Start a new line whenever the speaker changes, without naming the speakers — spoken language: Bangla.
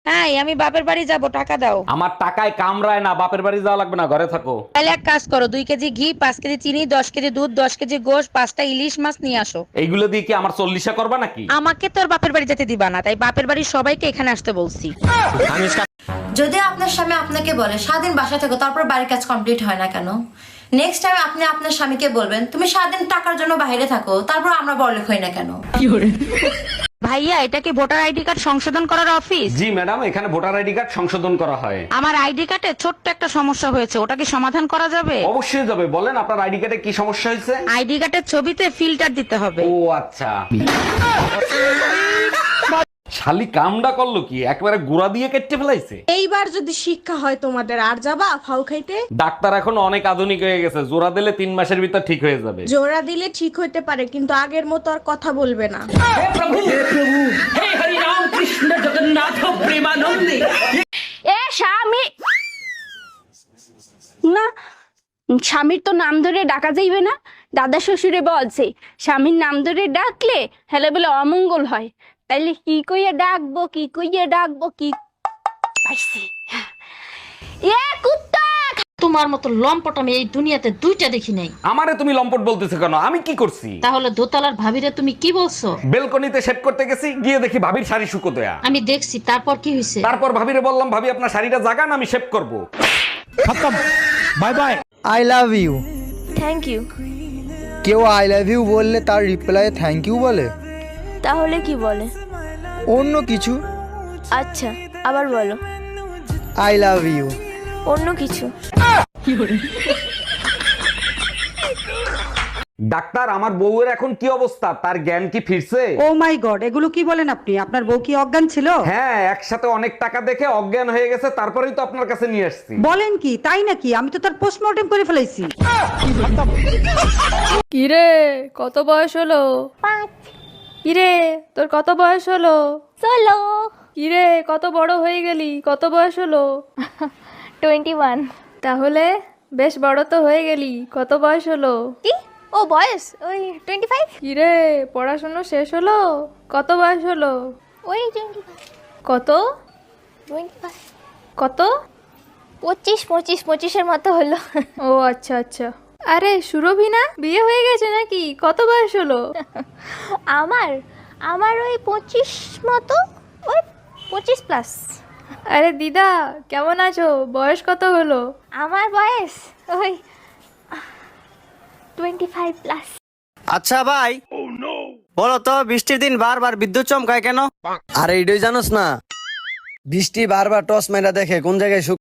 হ্যাঁ, আমি বাপের বাড়ি যাব, টাকা দাও।
আমার টাকায় কামড়ায় না, বাপের বাড়ি যাওয়া লাগবে না, ঘরে থাকো।
তাহলে এক কাজ করো, 2 কেজি ঘি, 5 কেজি চিনি, 10 কেজি দুধ, 10 কেজি গোশ, 5টা ইলিশ মাছ নিয়ে আসো।
এইগুলো দিয়ে কি আমার চল্লিশা করবা নাকি?
আমাকে তোর বাপের বাড়ি যেতে দিবা না, তাই বাপের বাড়ির সবাইকে এখানে আসতে বলছি।
যদি আপনার স্বামী আপনাকে বলে সারাদিন বাসা থেকে তারপর বাড়ির কাজ কমপ্লিট হয় না কেন, নেক্সট টাইম আপনি আপনার স্বামীকে বলবেন তুমি সারাদিন টাকার জন্য বাইরে থাকো তারপর আমরা বড়লোক হই না কেন।
ভাইয়া, এটা কি ভোটার আইডি কার্ড সংশোধন করার অফিস?
জি ম্যাডাম, এখানে ভোটার আইডি কার্ড সংশোধন করা হয়।
আমার আইডি কার্ডে ছোট্ট একটা সমস্যা হয়েছে, ওটা কি সমাধান করা যাবে?
অবশ্যই যাবে, বলেন আপনার আইডি কার্ডে কি সমস্যা হয়েছে?
আইডি কার্ডের ছবিতে ফিল্টার দিতে হবে।
ও আচ্ছা। শালি কামডা করলো কি, একবারে গুড়া দিয়ে কেটে ফেলাইছে।
এইবার যদি শিক্ষা হয় তোমাদের, আর যাবা ফাউ খাইতে?
ডাক্তার এখন অনেক আধুনিক হয়ে গেছে, জোড়া দিলে 3 মাসের ভিতর ঠিক হয়ে যাবে।
জোড়া দিলে ঠিক হইতে পারে, কিন্তু আগের মতো আর কথা বলবে না।
এ স্বামী না, স্বামীর তো নাম ধরে ডাকা যাইবে না। দাদা শ্বশুরে বলছে স্বামীর নাম ধরে ডাকলে হেলে বলে অমঙ্গল হয়। তাইলে কি কইয়া ডাকবো, কি কইয়া ডাকবো, কি পাইছি। এ কুত্তা!
তোমার মতো লম্পট আমি এই দুনিয়াতে 2টা দেখি নাই।
আমারে তুমি লম্পট বলতেছো কেন? আমি কি করছি?
তাহলে দোতলার ভাবিরে তুমি কি বলছো?
বেলকনিতে সেট করতে গেছি, গিয়ে দেখি ভাবির শাড়ি শুকো দেয়া।
আমি দেখছি, তারপর কি হয়েছে?
তারপর ভাবিরে বললাম, ভাবি আপনার শাড়িটা জাগান, আমি শেভ করব। খতম, bye bye.
I love you.
Thank you.
কেউ আই লাভ ইউ বললে তার রিপ্লাই থ্যাংক ইউ বলে?
তাহলে কি বলে?
অন্য কিছু।
আচ্ছা, আবার বলো।
I love you.
অন্য কিছু।
ডাক্তার, আমার বউয়ের এখন কি অবস্থা? তার জ্ঞান কি ফিরছে?
ও মাই গড, এগুলো কি বলেন আপনি? আপনার বউ কি অজ্ঞান ছিল?
হ্যাঁ, একসাথে অনেক টাকা দেখে অজ্ঞান হয়ে গেছে, তারপরেই তো আপনার কাছে নিয়ে আসছি।
বলেন কি, তাই নাকি? আমি তো তার পোস্টমর্টেম করে ফেলাইছি।
কিরে, কত বয়স হলো?
5।
কিরে, তোর কত বয়স হলো?
16।
কিরে, কত বড় হয়ে গেলি? কত বয়স হলো?
21।
তাহলে বেশ বড় তো হয়ে গেলি, কত বয়স হলো?
কি? ও বয়স ওই 25।
কিরে, পড়াশোনা শেষ হলো? কত বয়স হলো?
ওই 25।
কত?
25।
কত?
25 এর মতো হলো।
ও আচ্ছা আচ্ছা। আরে সুরভি না, বিয়ে হয়ে গেছে নাকি? কত বয়স হলো?
আমার আমার ওই 25 মতো, ওই 25 প্লাস।
আরে দিদা, কেমন আছো? বয়স কত হলো?
আমার বয়স ওই 25 প্লাস।
আচ্ছা ভাই, বলো তো বৃষ্টির দিন বারবার বিদ্যুৎ চমকায় কেন?
আরে এটাই জানোস না? বৃষ্টি বারবার টস মেরা দেখে কোন জায়গায়